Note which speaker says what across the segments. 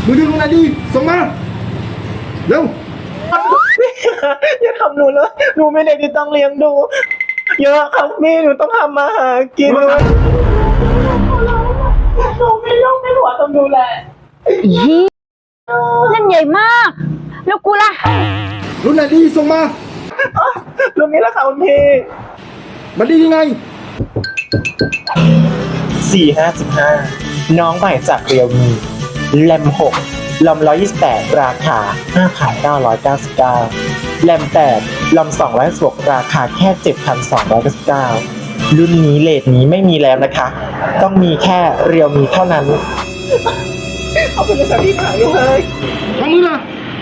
Speaker 1: มือถือรุ่นไหนดีส่งมาเร็ว
Speaker 2: อย่าทำหนูเลยหนูไม่เด็กที่ต้องเลี้ยงดูเยอะครับพี่หนูต้องทำมาหากินเลยหนูไม่ยอมไม่หัวต้องดูแล
Speaker 3: นั่นใหญ่มาก แล้วกูล่ะ
Speaker 1: รุ่นไหนดีส่งมา
Speaker 2: รุ่นนี้แหละค่ะคุณพี่
Speaker 1: มันดียังไง
Speaker 2: 455น้องใหม่จากเรียวมีแรม6ลำ128ราคา5,999แรม8ลำ216ราคาแค่ 7,299รุ่นนี้เลทนี้ไม่มีแล้วนะคะ ต้องมีแค่เรียวมีเท่านั้นเอาไปเลยค่ะพี่ขายเลย
Speaker 1: ทำมือล่ะ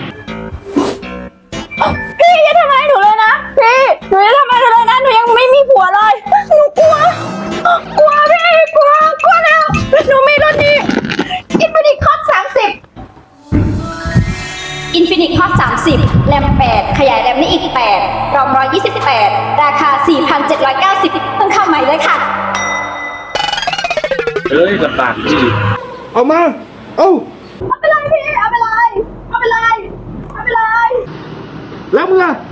Speaker 3: พี่อย่าทำอะไรหนูเลยนะ พี่หนูอย่าทำอะไรหนูเลยนะ หนูยังไม่มีผัวเลย หนูกลัว กลัวพี่ กลัวแล้ว หนูมีรุ่นนี้ Infinix Hot 30 Infinix Hot 30 แรม 8 ขยายแรมได้อีก 8 รอม 128 ราคา 4,790 เพิ่งเข้าใหม่เลยค่ะ
Speaker 4: เอ้ยลำบากจริง
Speaker 1: เอามา เอา
Speaker 3: เอาไปเลยพี่ เอาไปเลย เอาไปเลย เอาไปเลย
Speaker 1: แล้วมึงล่ะ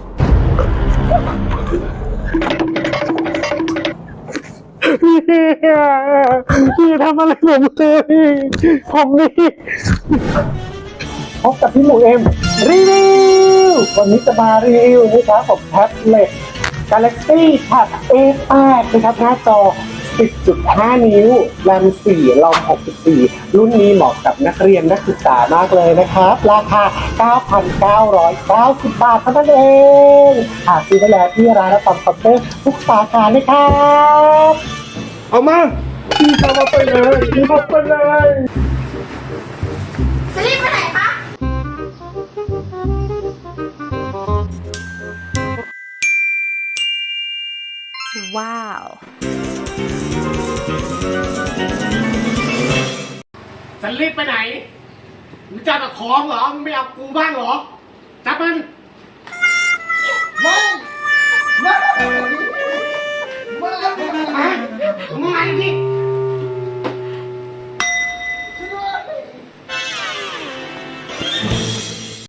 Speaker 2: พี่ทำอะไรผมเลยผมนี่พบกับพี่หมูเอ็มรีวิววันนี้จะมารีวิวนะครับผมแท็บเล็ต Galaxy Tab A8 นะครับหน้าจอ 10.5 นิ้วแรม4 รอม 64 รุ่นนี้เหมาะกับนักเรียนนักศึกษามากเลยนะครับ ราคา 9,990 บาทเท่านั้นเองหาซื้อได้แล้วที่ร้านและคอมพิวเตอร์ทุกสาขาเลยครับ
Speaker 1: เอามา
Speaker 2: พี่ทำมาไปเลยพี่ทำไปเลย
Speaker 3: จะรีบไปไหนคะ ว้าว
Speaker 5: สลิปไปไหนมึงจะเอาของเหรอมึงไม่เอากูบ้างเหรอ จับมันมึงมาดิ